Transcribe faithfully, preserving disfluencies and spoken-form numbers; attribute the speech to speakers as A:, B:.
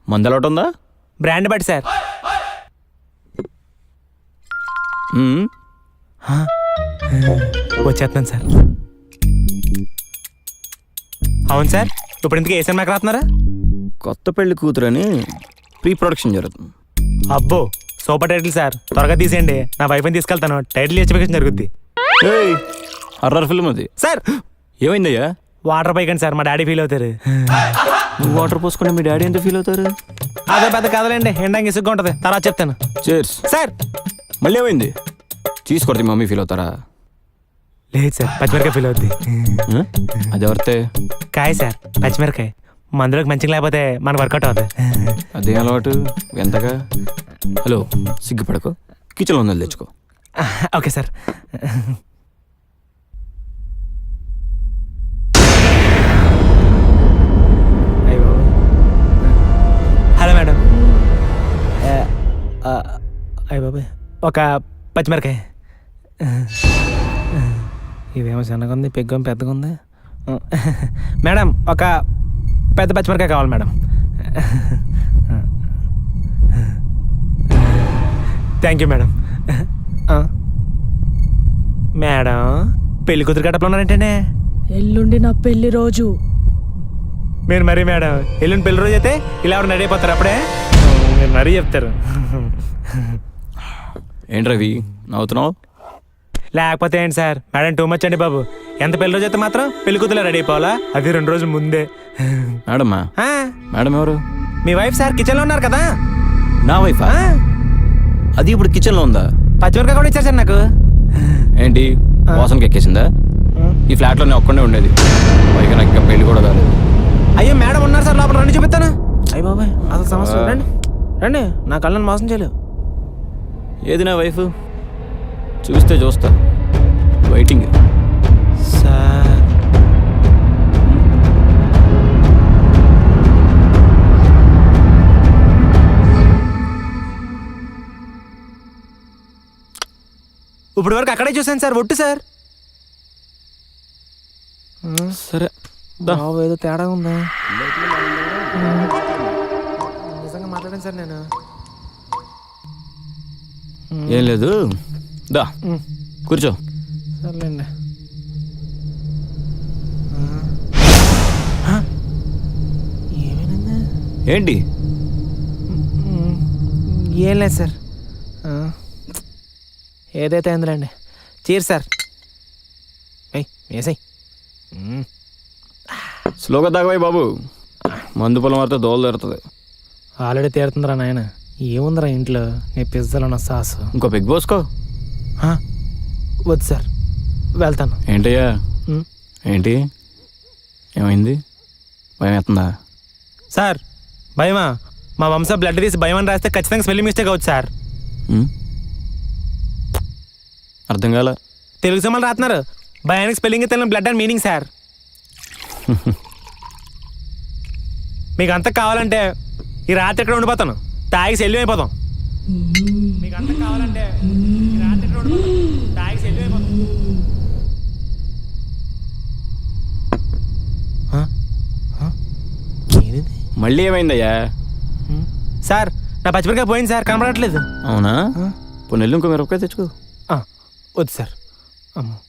A: మందు అలవాటు ఉందా?
B: బ్రాండ్ బట్టి సార్.
A: మ్మ్.
B: వచ్చేస్తున్నాను సార్. అవును సార్, ఇప్పుడు ఇంతకీ ఏ సినిమాకి రాస్తున్నారా?
A: కొత్త పెళ్లి కూతురని ప్రీ ప్రొడక్షన్ జరుగుతుంది.
B: అబ్బో సూపర్ టైటిల్ సార్, త్వరగా తీసేయండి. నా వైఫ్ని తీసుకెళ్తాను, టైటిల్ ఎస్టిఫికేషన్ జరుగుద్ది.
A: హర్రర్ ఫిల్మ్ అది.
B: సార్
A: ఏమైందయ్యా?
B: వాటర్ పైకండి సార్, మా డాడీ ఫీల్ అవుతారు.
A: నువ్వు వాటర్ పోసుకుంటే మీ డాడీ ఎంత ఫీల్ అవుతారు?
B: అదే పెద్ద కదలండి, ఎండంగా ఇసుగ్గా ఉంటుంది, తర్వాత చెప్తాను.
A: చేర్స్.
B: సార్
A: మళ్ళీ ఏమైంది? తీసుకొడితే మమ్మీ ఫీల్ అవుతారా?
B: లేదు సార్, పచ్చిమిరకాయ ఫీల్ అవుద్ది.
A: అది ఎవరితే?
B: కాయ సార్, పచ్చిమిరకాయ మందులోకి మంచిగా లేకపోతే మనకు వర్కౌట్ అవుతుంది.
A: అదే అలవాటు ఎంతగా? హలో, సిగ్గుపడకు, కిచెన్లో ఉందని తెచ్చుకో.
B: Okay sir. Hello madam. అయ్య బాబాయ్, ఒక పచ్చిమిరకాయ. ఇదేమో చిన్నగా ఉంది, పెగ్గం పెద్దగా ఉంది. మేడం ఒక పెద్ద పచ్చిమిరకాయ కావాలి madam. Thank you madam. Madam పెళ్లి కూతురు గడపలో ఉన్నారంటేనే.
C: ఎల్లుండి నా పెళ్లి రోజు.
B: మీరు మరీ మేడం ఎల్లుండి పెళ్లి రోజు అయితే ఇలా ఎవరు రెడీ అయిపోతారు అప్పుడే. మీరు మరీ చెప్తారు.
A: ఏంటి రవి నవ్వుతున్నావు?
B: లేకపోతే ఏంటి సార్, మేడం టూ మచ్ అండి బాబు. ఎంత పెళ్లి రోజు అయితే మాత్రం పెళ్లి కూతురు రెడీ అయిపోవాలా? అది రెండు రోజుల ముందే.
A: మేడమ్మా? మేడం ఎవరు?
B: మీ వైఫ్ సార్, కిచెన్లో ఉన్నారు కదా.
A: నా వైఫా? అది ఇప్పుడు కిచెన్లో ఉందా?
B: పచ్చిమిరకాయ కూడా ఇచ్చారు సార్ నాకు.
A: ఏంటి వాసనకి ఎక్కేసిందా? ఈ ఫ్లాట్లో నేను ఒక్కడే ఉండేది, పైగా నాకు ఇంకా పెళ్లి కూడా కాలేదు.
B: అయ్యో మేడం ఉన్నారు సార్, లోపల రండి చూపిస్తాను. అయ్యి బాబాయ్ అసలు సమస్య. రండి రండి, నా కళ్ళని మోసం చేయలేవు.
A: ఏది నా వైఫ్? చూస్తే చూస్తా, వెయిటింగ్.
B: సార్ ఇప్పుడు వరకు అక్కడే చూసాను సార్, ఒట్టు సార్.
A: సరే
B: బాబు ఏదో తేడా ఉందా? నిజంగా మాట్లాడాను సార్ నేను.
A: ఏం లేదు, దా కూర్చో.
B: సర్లేండి. ఏమైంది?
A: ఏంటి?
B: ఏం లేదు సార్, ఏదైతే అయిందిలేండి. Cheer sir. వేసాయి.
A: స్లోగా తాగవాయి బాబు, మందు పొలం మారితే దోలు తీరుతుంది.
B: ఆల్రెడీ తీరుతుందిరా నాయన. ఏముందిరా ఇంట్లో, నీ పిజ్జాలో నా సాసు.
A: ఇంకో పెగ్ పోసుకో.
B: వద్దు సార్, వెళ్తాను.
A: ఏంటయ్యా? ఏంటి ఏమైంది? భయం అవుతుందా?
B: సార్ భయమా? మా వంశ బ్లడ్ తీసి భయం అని రాస్తే ఖచ్చితంగా స్పెల్లింగ్ మిస్టేక్ అవుతుంది సార్.
A: అర్థం కాల.
B: తెలుగు సినిమాలు రాస్తున్నారు, భయానికి స్పెల్లింగ్ తెలియని బ్లడ్ అండ్ మీనింగ్ సార్. మీకు అంతా కావాలంటే ఈ రాత్రి ఎక్కడ ఉండిపోతాను, తాగి శల్యం అయిపోతాం. మీకు అంతా కావాలంటే ఈ రాత్రి ఎక్కడ ఉండిపోతాను, తాగి శల్యం అయిపోతాం.
A: మళ్ళీ ఏమైందయ్యా?
B: సార్ నా పచ్చిమిరకాయ పోయింది సార్, కనబడట్లేదు.
A: అవునా? పోనీ ఇంకో మిరపకాయ తెచ్చుకో.
B: వద్దు సార్. అమ్మో